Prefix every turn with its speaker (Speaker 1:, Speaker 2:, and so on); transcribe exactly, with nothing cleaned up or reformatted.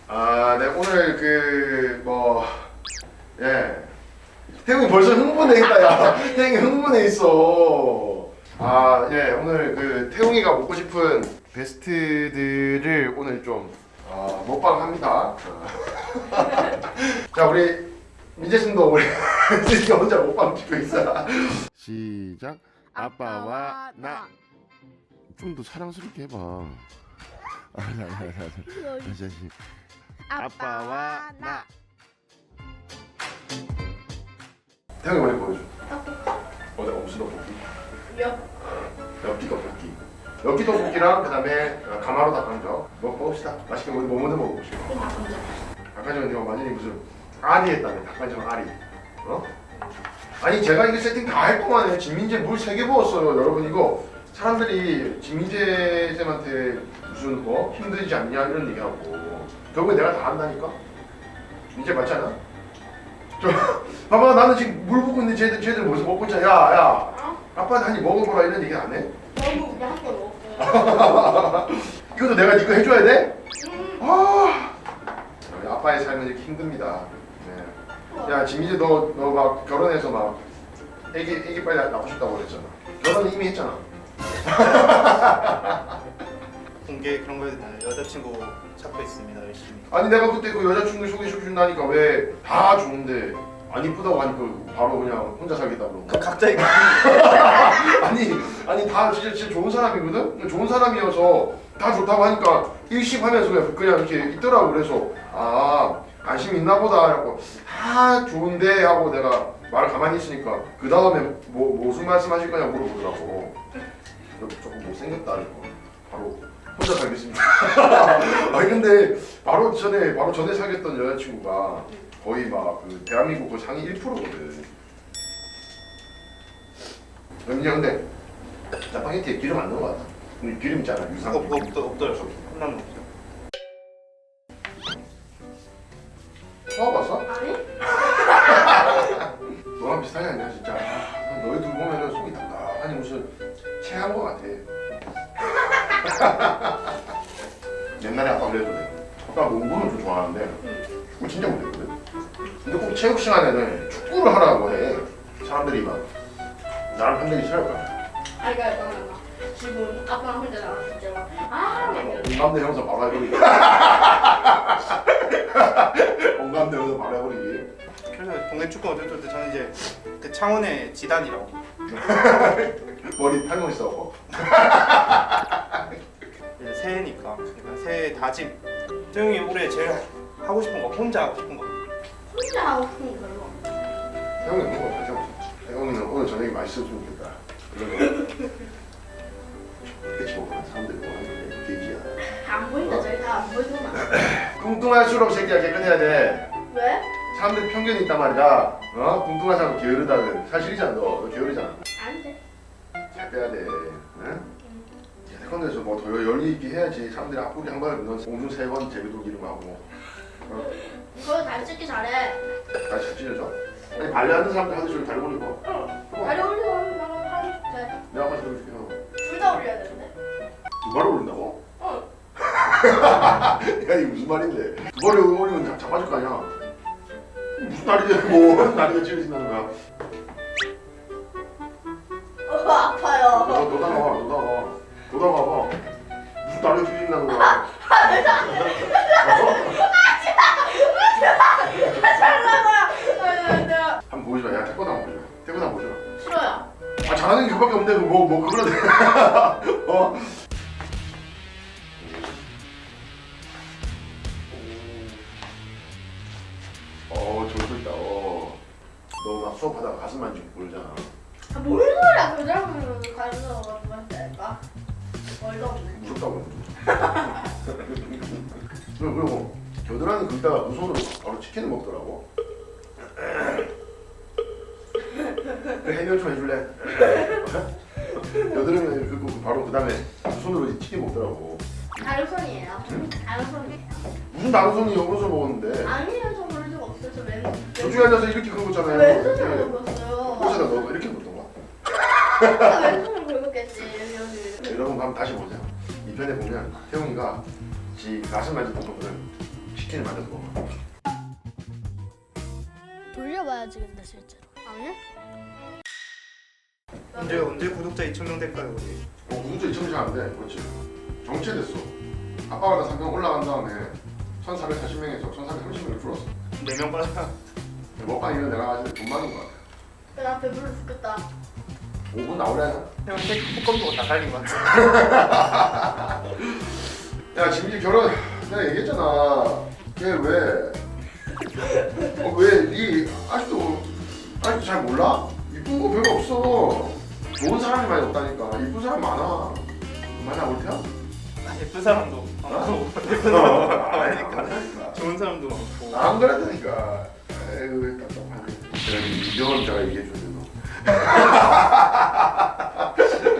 Speaker 1: 아, 네 오늘 그 뭐 예. 태웅이 벌써 흥분해 있다 야. 태웅이 흥분해 있어. 아, 예. 오늘 그 태웅이가 먹고 싶은 베스트들을 오늘 좀 어, 먹방합니다. 자, 우리 민재 씨도 우리 민재 혼자 먹방 찍고 있어. 시작. 아빠와 나. 좀 더 사랑스럽게 해봐. 아, 나, 나, 나, 나. 다시. 아빠와 나. 태영이 머리 보여줘. 어디 무슨 떡볶이?
Speaker 2: 몇?
Speaker 1: 엽기 떡볶이. 엽기 떡볶이랑 그다음에 가마로 닭강정. 먹 먹읍시다. 맛있게 우리 뭐 먼저 먹어봅시다. 아까 전에 내가 완전히 무슨 아리 했다며. 닭강정 아리. 어? 아니 제가 이게 세팅 다 할 동안에 진민재 물 세 개 부었어요. 여러분 이거 사람들이 진민재 쌤한테 무슨 뭐 힘들지 않냐 이런 얘기하고 결국에 내가 다 한다니까. 민재 맞지 않아? 저 봐봐 나는 지금 물 붓고 있는데 쟤들 쟤들 벌써 먹고 있잖아. 야야
Speaker 2: 어?
Speaker 1: 아빠한테 한입 먹어보라 이런 얘기 안 해?
Speaker 2: 너무 그냥 한번 먹었어요.
Speaker 1: 이것도 내가 이거 해줘야 돼?
Speaker 2: 음.
Speaker 1: 아 우리 아빠의 삶은 이렇게 힘듭니다. 네. 야 진미지 너 너 막 결혼해서 막 애기 애기 빨리 낳고 싶다고 그랬잖아. 결혼은 이미 했잖아.
Speaker 3: 공개 그런 거에 대한 여자친구 찾고 있습니다 열심히.
Speaker 1: 아니 내가 그때 그 여자친구 소개시켜준다니까 왜 다 좋은데 안 이쁘다고 하니까 바로 그냥 혼자 살겠다고 그런
Speaker 3: 그
Speaker 1: 거야.
Speaker 3: 각자 이거
Speaker 1: 아니 아니 다 진짜 진짜 좋은 사람이거든. 좋은 사람이어서 다 좋다고 하니까 일십하면서 그냥 그냥 이렇게 있더라고. 그래서 아 관심 있나 보다 하고 다 좋은데 하고 내가 말을 가만히 있으니까 그 다음에 뭐 무슨 말씀하실 거냐 물어보더라고. 조금 못생겼다 이거 바로 혼자 살겠습니다. 아니 근데 바로 전에 바로 전에 사귀었던 여자친구가 거의 막 그 대한민국 그 상위 일 퍼센트거든. 근데 근데 짜파게티에 기름 안 넣은 거 같아. 근데 기름 있잖아 유산.
Speaker 3: 없 없더 없더라고. 컵라면 없죠.
Speaker 1: 먹어봤어?
Speaker 2: 아니?
Speaker 1: 너랑 비슷하지 않냐 진짜. 아, 너희 둘 보면은 속이 답답하니 무슨 체한 거 같아. 옛날에 아빠 그래도 돼. 아빠 농구는 좀 좋아하는데 축구 진짜 못했거든. 근데 꼭 체육 시간에는 축구를 하라고 해. 사람들이 막 나랑 편들기 싫어할 거야.
Speaker 2: 아 이거 이거 이거. 지금 아빠랑 혼자 나왔을 때 막. 아 네.
Speaker 1: 공감대 형사 바로 해버리기. 공감대 형사 바로 해버리기.
Speaker 3: 그래서 동네 축구 어쩔 때 저는 이제 그 창원의 지단이라고.
Speaker 1: 머리 탈모 있어.
Speaker 3: 이제 새해니까 그러니까 새해 다짐. 태용이 올해 제일 하고 싶은 거 혼자 하고 싶은 거.
Speaker 2: 혼자 하고 싶은 걸로.
Speaker 1: 태영이 없는 거 가져. 태영이는 오늘 저녁에 맛있었으면 좋겠다. 그런 거. 그치 뭐 사람들이 뭐하는 게 돼지야.
Speaker 2: 안 보인다 저희 다 안 보이구나.
Speaker 1: 뚱뚱할수록 새끼야 깨끗해야 돼.
Speaker 2: 왜?
Speaker 1: 사람들 편견이 있단 말이야. 어? 뚱뚱한 사람 게으르다는 사실이잖아. 너, 너 게으르잖아.
Speaker 2: 안 돼.
Speaker 1: 잘 빼야 돼. 응? 태권도에서 뭐 더 열리 있게 해야지. 사람들이 앞구리 한 번에 넣은 공중 세 번 제비도 기름하고. 어?
Speaker 2: 그거 다리 찢기 잘해.
Speaker 1: 다시 잘 찢어져. 아니 발레하는 사람들 하듯이 다리 올리고.
Speaker 2: 응. 다리 올리고 하면 나가 팔 돼.
Speaker 1: 내가 아까 저렇게 하고.
Speaker 2: 둘 다 올려야 되는데.
Speaker 1: 두 발을 올린다고?
Speaker 2: 응.
Speaker 1: 야 이게 무슨 말인데? 두 발을 올리면 다 잡아줄 거 아니야? 무슨 다리가 뭐 다리가 찢어진다는 거야?
Speaker 2: 어 아파요.
Speaker 1: 너 너다 나와 너다 와 너다 와봐. 무슨 다리가 찢어진다는 거야?
Speaker 2: 잘나가.
Speaker 1: 한번 보여줘. 야 태권도 한번 보여줘. 태권도 한번 보여줘.
Speaker 2: 싫어요.
Speaker 1: 아 잘하는 게 그밖에 없는데 뭐뭐 그거를 어? 어 저기도 있다. 어. 너 막 수업하다가 가슴 만지고 모르잖아.
Speaker 2: 아, 뭔 소리야? 그 사람은 가서 뭐 했다니까. 얼도 없네.
Speaker 1: 무섭다고. 그리고 그리고 겨드랑이 긁다가 두 손으로 바로 치킨을 먹더라고. 그 해결 좀 해줄래? 겨드랑이 긁고 바로 그 다음에 두 손으로 치킨 먹더라고.
Speaker 2: 다른 손이에요. 다른 손이에요.
Speaker 1: 무슨 다른 손이 오른손 먹었는데?
Speaker 2: 아니에요, 저 그럴 리가 없어요. 저 왼.
Speaker 1: 저쪽에 앉아서 이렇게 긁었잖아요.
Speaker 2: 왼손으로 먹었어요.
Speaker 1: 혹시나 너 이렇게 긁던 거야?
Speaker 2: 왼손으로 긁었겠지. 여기.
Speaker 1: 여러분 한번 다시 보세요. 이 편에 보면 태웅이가 지 가슴 만지던 거를 치킨을 만들어서 먹어.
Speaker 2: 돌려봐야지 근데 실제로. 아니?
Speaker 3: 언제 언제 구독자 이천 명 될까요 우리?
Speaker 1: 어, 구독자 이천 명 잘하는데 그렇지. 정체됐어. 아빠가 나 삼 명 올라간 다음에 천사백사십 명에서 천사백삼십 명을 줄었어.
Speaker 3: 네 명 빠져.
Speaker 1: 먹방 이런 내가 아직 돈 많은 것 같아.
Speaker 2: 나 배불러 죽겠다.
Speaker 1: 오 분 나오려나?
Speaker 3: 형 태- 태권도 다 살린 것 같아.
Speaker 1: 야 지금 결혼 내가 얘기했잖아. 걔 왜? 어, 왜? 니 아직도 아직도 잘 몰라? 이쁜 거 별로 없어. 좋은 사람이 많이 없다니까. 이쁜 사람 많아. 많아 올테야?
Speaker 3: 아, 예쁜 사람도
Speaker 1: 어?
Speaker 3: 많고 예쁜 사람도
Speaker 1: 아니까.
Speaker 3: 많으니까 좋은 사람도 많고.
Speaker 1: 안 그랬다니까. 에이 답답하네. 내가 이병헌 자가 얘기해 주는데 너.